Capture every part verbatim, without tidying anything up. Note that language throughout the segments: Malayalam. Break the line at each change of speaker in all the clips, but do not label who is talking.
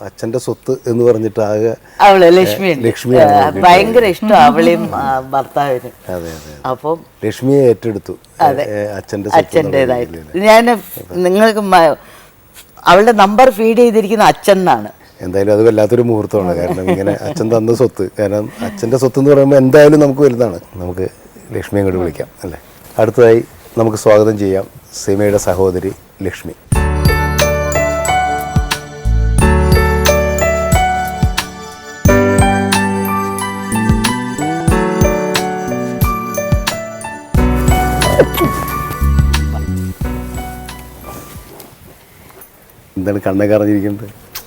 അച്ഛൻ്റെ സ്വത്ത് എന്ന് പറഞ്ഞിട്ട് ആകെ
അവള് ലക്ഷ്മി
ലക്ഷ്മിയാണ്
ഭയങ്കര ഇഷ്ടം അവളെയും ഭർത്താവിനും.
അതെ അതെ
അപ്പം
ലക്ഷ്മിയെ ഏറ്റെടുത്തു അച്ഛൻ്റെ
അച്ഛൻ്റെതായിട്ട്. ഞാൻ നിങ്ങൾക്ക് അവളുടെ നമ്പർ ഫീഡ് ചെയ്തിരിക്കുന്ന അച്ഛൻ എന്നാണ്.
എന്തായാലും അത് വല്ലാത്തൊരു മുഹൂർത്തമാണ്. കാരണം ഇങ്ങനെ അച്ഛൻ തന്ന സ്വത്ത്, കാരണം അച്ഛൻ്റെ സ്വത്ത് എന്ന് പറയുമ്പോൾ എന്തായാലും നമുക്ക് വലുതാണ്. നമുക്ക് ലക്ഷ്മിയെ അങ്ങോട്ട് വിളിക്കാം അല്ലേ. അടുത്തതായി നമുക്ക് സ്വാഗതം ചെയ്യാം സീമയുടെ സഹോദരി ലക്ഷ്മി. എന്താണ് കണ്ണൊക്കെ അറിഞ്ഞിരിക്കുന്നത്?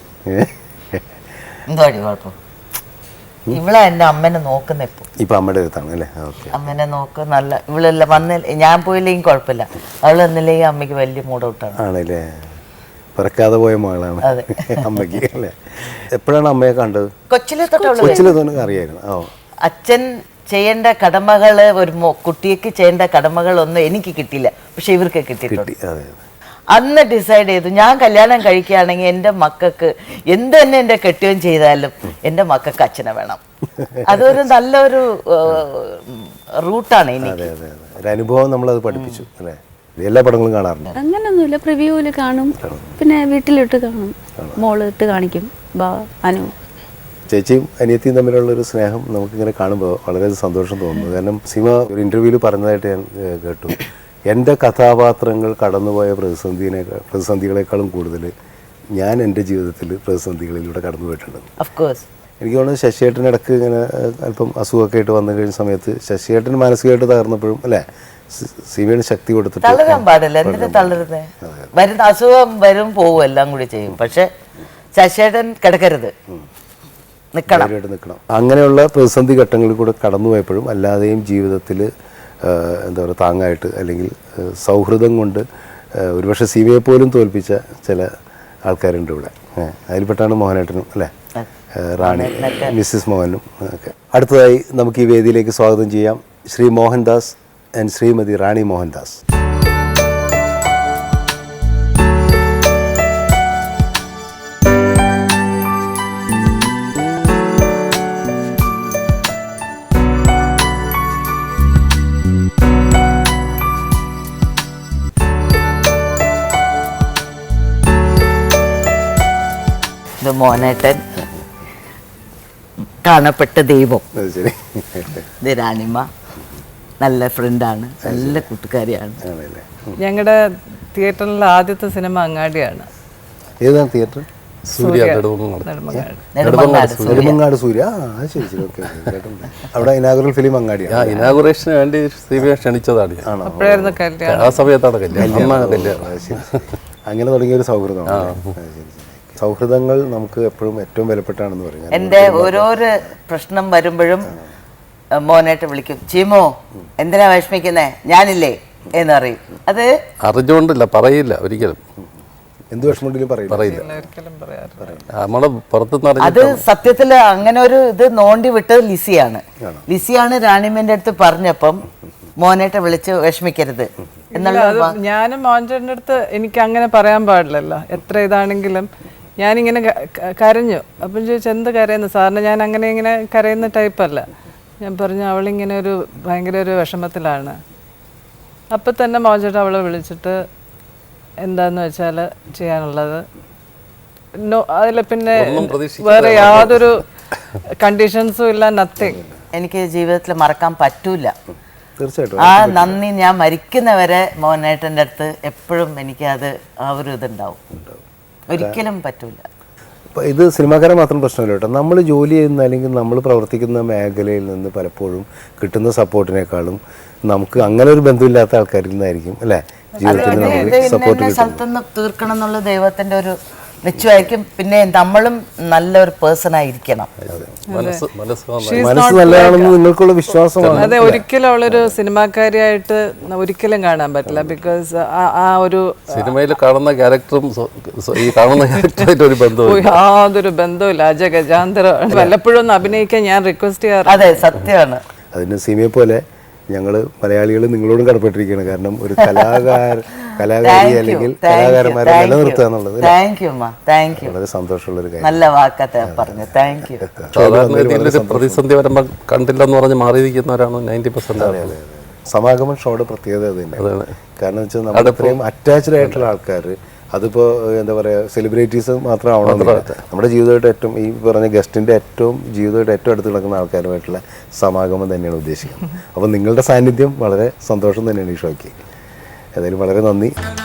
എന്തോ കുഴപ്പം. ഇവളെ എൻ്റെ അമ്മനെ നോക്കുന്ന ഇപ്പൊ
ഇപ്പൊ അമ്മയുടെ അടുത്താണ് അല്ലേ? ഓക്കെ.
അമ്മനെ നോക്ക നല്ല ഇവളല്ല വന്നില്ല, ഞാൻ പോയില്ലെങ്കിൽ കുഴപ്പമില്ല, അവൾ വന്നില്ലെങ്കിൽ അമ്മയ്ക്ക് വലിയ മൂഡൗട്ടാണ്.
ആണല്ലേ, പിറക്കാതെ പോയ മകളാണ് അമ്മയ്ക്ക് അല്ലേ. എപ്പോഴാണ് അമ്മയെ കണ്ടത്?
കൊച്ചിലെ തൊട്ടുള്ള
കൊച്ചിലെ തന്നെ അറിയായിരുന്നു. ഓ,
അച്ഛൻ ചെയ്യേണ്ട കടമകൾ ഒരു കുട്ടിക്ക് ചെയ്യേണ്ട കടമകളൊന്നും എനിക്ക് കിട്ടിയില്ല, പക്ഷെ ഇവർക്ക് കിട്ടിയിട്ടുണ്ട്.
കിട്ടി. അതെ അതെ.
അന്ന് ഡിസൈഡ് ചെയ്തു, ഞാൻ കല്യാണം കഴിക്കുകയാണെങ്കിൽ എൻ്റെ മക്കൾക്ക് എന്ത് തന്നെ എൻ്റെ കെട്ടുകയും ചെയ്താലും എൻ്റെ മക്കൾക്ക് അച്ഛനെ വേണം. അതൊരു നല്ലൊരു റൂട്ടാണ് എനിക്ക്.
അതെ അതെ അതെ, ഒരു അനുഭവം നമ്മളത് പഠിപ്പിച്ചു അല്ലേ. എല്ലാ പടങ്ങളും കാണാറുണ്ട്?
അങ്ങനൊന്നുമില്ല, പ്രിവ്യൂവിൽ കാണും, പിന്നെ വീട്ടിലിട്ട് കാണും, മോള് ഇട്ട് കാണിക്കും. ബാ അനു
ചേച്ചിയും അനിയത്തിയും തമ്മിലുള്ളൊരു സ്നേഹം നമുക്കിങ്ങനെ കാണുമ്പോൾ വളരെ സന്തോഷം തോന്നുന്നു. കാരണം സീമ ഒരു ഇൻ്റർവ്യൂവിൽ പറഞ്ഞതായിട്ട് ഞാൻ കേട്ടു, എൻ്റെ കഥാപാത്രങ്ങൾ കടന്നുപോയ പ്രതിസന്ധിനെ പ്രതിസന്ധികളെക്കാളും കൂടുതൽ ഞാൻ എൻ്റെ ജീവിതത്തിൽ പ്രതിസന്ധികളിലൂടെ കടന്നു പോയിട്ടുണ്ട്. എനിക്ക് തോന്നുന്നു ശശിയേട്ടൻ ഇടയ്ക്ക് ഇങ്ങനെ അല്പം അസുഖമൊക്കെ ആയിട്ട് വന്നു കഴിഞ്ഞ സമയത്ത് ശശിയേട്ടൻ മാനസികമായിട്ട് തകർന്നപ്പോഴും അല്ലേ സീമയുടെ ശക്തി കൊടുത്തിട്ട്
തളരാൻ പാടില്ല. എന്തിനാ തളരുന്നേ? വരുന്ന അസുഖം വരും പോവും എല്ലാം കൂടി ചെയ്യും, പക്ഷെ ശശിയേട്ടൻ കിടക്കരുത്, നിൽക്കണം
നിൽക്കണം. അങ്ങനെയുള്ള പ്രതിസന്ധി ഘട്ടങ്ങളിൽ കൂടെ കടന്നു പോയപ്പോഴും അല്ലാതെയും ജീവിതത്തിൽ എന്താ പറയുക താങ്ങായിട്ട് അല്ലെങ്കിൽ സൗഹൃദം കൊണ്ട് ഒരുപക്ഷെ സീമയെ പോലും തോൽപ്പിച്ച ചില ആൾക്കാരുണ്ട് ഇവിടെ. അതിൽപ്പെട്ടാണ് മോഹനേട്ടനും അല്ലേ, റാണി മിസ്സിസ് മോഹനും ഒക്കെ. അടുത്തതായി നമുക്ക് ഈ വേദിയിലേക്ക് സ്വാഗതം ചെയ്യാം ശ്രീ മോഹൻദാസ് ആൻഡ് ശ്രീമതി റാണി മോഹൻദാസ്.
ഇത് മോനേട്ടൻ, കാണപ്പെട്ട ദൈവം. ഇത് രാണിമ, നല്ല ഫ്രണ്ടാണ്, നല്ല കൂട്ടുകാരിയാണ്.
ഞങ്ങളുടെ തിയേറ്ററിലെ ആദ്യത്തെ സിനിമ അങ്ങാടിയാണ്.
ഏതാണ് തിയേറ്റർ? സൂര്യ നെടുമങ്ങാട് സൂര്യ. അവിടെ ഇനാഗുറൽ ഫിലിം അങ്ങാടിയാണ്.
ഇനാഗുറേഷന് വേണ്ടി സീമയെ ക്ഷണിച്ചതാണ്.
അപ്പോഴായിരുന്നു കല്യാണം.
ആ സമയത്താണ് കല്യാണം.
അങ്ങനെ തുടങ്ങിയ ഒരു സൗഹൃദമാണ്. സൗഹൃദങ്ങൾ നമുക്ക് എപ്പോഴും ഏറ്റവും വിലപ്പെട്ടാണെന്ന് പറയാം.
എൻ്റെ ഓരോരോ പ്രശ്നം വരുമ്പോഴും മോനായിട്ട് വിളിക്കും, ചീമോ എന്തിനാ വിഷമിക്കുന്നേ, ഞാനില്ലേ എന്ന് പറയും. അത്
അറിഞ്ഞുകൊണ്ടില്ല, പറയില്ല ഒരിക്കലും.
എന്ത് വിഷമമുണ്ടെങ്കിലും പറയില്ല.
നമ്മളെ പുറത്തുനിന്ന്
അത് സത്യത്തില് അങ്ങനെ ഒരു ഇത് നോണ്ടി വിട്ടത് ലിസിയാണ്. ലിസിയാണ് രാണിമേന്റെ അടുത്ത് പറഞ്ഞപ്പം മോനായിട്ട് വിളിച്ച് വിഷമിക്കരുത് എന്നുള്ള.
ഞാനും മോഹൻചേട്ടൻ്റെ അടുത്ത് എനിക്ക് അങ്ങനെ പറയാൻ പാടില്ലല്ലോ, എത്ര ഇതാണെങ്കിലും. ഞാനിങ്ങനെ കരഞ്ഞു. അപ്പം ചോദിച്ചു എന്ത് കരയുന്നു സാറിന്? ഞാൻ അങ്ങനെ ഇങ്ങനെ കരയുന്ന ടൈപ്പല്ല. ഞാൻ പറഞ്ഞു അവളിങ്ങനെ ഒരു ഭയങ്കര ഒരു വിഷമത്തിലാണ്. അപ്പം തന്നെ മോഹൻചേട്ടൻ അവളെ വിളിച്ചിട്ട് എന്താന്ന് വെച്ചാൽ ചെയ്യാനുള്ളത് നോ, അതിൽ പിന്നെ വേറെ യാതൊരു കണ്ടീഷൻസും ഇല്ല, നത്തിങ്.
എനിക്ക് ജീവിതത്തിൽ മറക്കാൻ പറ്റൂല.
തീർച്ചയായിട്ടും
ആ നന്ദി ഞാൻ മരിക്കുന്നവരെ മോഹനേട്ടൻ്റെ അടുത്ത് എപ്പോഴും എനിക്ക് അത് ആ ഒരു ഇതുണ്ടാവും, ഒരിക്കലും പറ്റൂല.
ഇത് സിനിമാക്കാരെ മാത്രം പ്രശ്നമില്ല കേട്ടോ. നമ്മൾ ജോലി ചെയ്യുന്ന അല്ലെങ്കിൽ നമ്മൾ പ്രവർത്തിക്കുന്ന മേഖലയിൽ നിന്ന് പലപ്പോഴും കിട്ടുന്ന സപ്പോർട്ടിനേക്കാളും നമുക്ക് അങ്ങനെ ഒരു ബന്ധമില്ലാത്ത ആൾക്കാരിൽ നിന്നായിരിക്കും അല്ലേ ജീവിതത്തിൽ നമുക്ക് സപ്പോർട്ട് കിട്ടുന്നത്.
തീർക്കണം എന്നുള്ള ദൈവത്തിന്റെ ഒരു നിശ്ചയമായിരിക്കും. പിന്നെ നമ്മളും നല്ലൊരു പേഴ്സൺ ആയിരിക്കണം.
മനസ്സ് നല്ലതാണെന്ന് നിങ്ങൾക്കുള്ള വിശ്വാസമാണ്.
അതെ, ഒരിക്കലും അവളൊരു സിനിമാക്കാരിയായിട്ട് ഒരിക്കലും കാണാൻ പറ്റില്ല. ബിക്കോസ് ആ ഒരു
സിനിമയിൽ കാണുന്ന ക്യാരക്ടറും ഈ കാണുന്ന ക്യാരക്ടറായിട്ട് ഒരു ബന്ധവും
യാതൊരു ബന്ധവുമില്ല. അജഗജാന്തരം. വല്ലപ്പോഴും ഒന്ന് അഭിനയിക്കാൻ ഞാൻ റിക്വസ്റ്റ് ചെയ്യാറ്.
അതെ, സത്യമാണ്.
അതിന് സീമയെ പോലെ ഞങ്ങൾ മലയാളികൾ നിങ്ങളോടും കടപ്പെട്ടിരിക്കുകയാണ്. കാരണം ഒരു കലാകാരൻ കലാകാരി അല്ലെങ്കിൽ കലാകാരന്മാരെ നിലനിർത്തുക എന്നുള്ളത്
താങ്ക് യു അമ്മ, താങ്ക് യു.
വളരെ സന്തോഷമുള്ള ഒരു കാര്യം.
നല്ല വാക്കത്തെ പറഞ്ഞു, താങ്ക് യു.
സാധാരണ രീതിയിലൊരു പ്രതിസന്ധി വരുമ്പോൾ കണ്ടില്ലെന്ന് പറഞ്ഞ് മാറിയിരിക്കുന്നവരാണ് നയൻറ്റി പെർസെന്റ്.
സമാഗമൻ ഷോയുടെ പ്രത്യേകത അത് തന്നെയാണ്. കാരണം വെച്ചാൽ നമ്മൾ ഇത്രയും അറ്റാച്ച്ഡ് ആയിട്ടുള്ള ആൾക്കാർ, അതിപ്പോൾ എന്താ പറയുക, സെലിബ്രിറ്റീസ് മാത്രം ആവണമെന്നില്ല, നമ്മുടെ ജീവിതമായിട്ട് ഏറ്റവും ഈ പറഞ്ഞ ഗസ്റ്റിൻ്റെ ഏറ്റവും ജീവിതമായിട്ട് ഏറ്റവും അടുത്ത് കിടക്കുന്ന ആൾക്കാരുമായിട്ടുള്ള സമാഗമം തന്നെയാണ് ഉദ്ദേശിക്കുന്നത്. അപ്പോൾ നിങ്ങളുടെ സാന്നിധ്യം വളരെ സന്തോഷം തന്നെയാണ് ഈ ഷോയ്ക്ക്. ഏതായാലും വളരെ നന്ദി.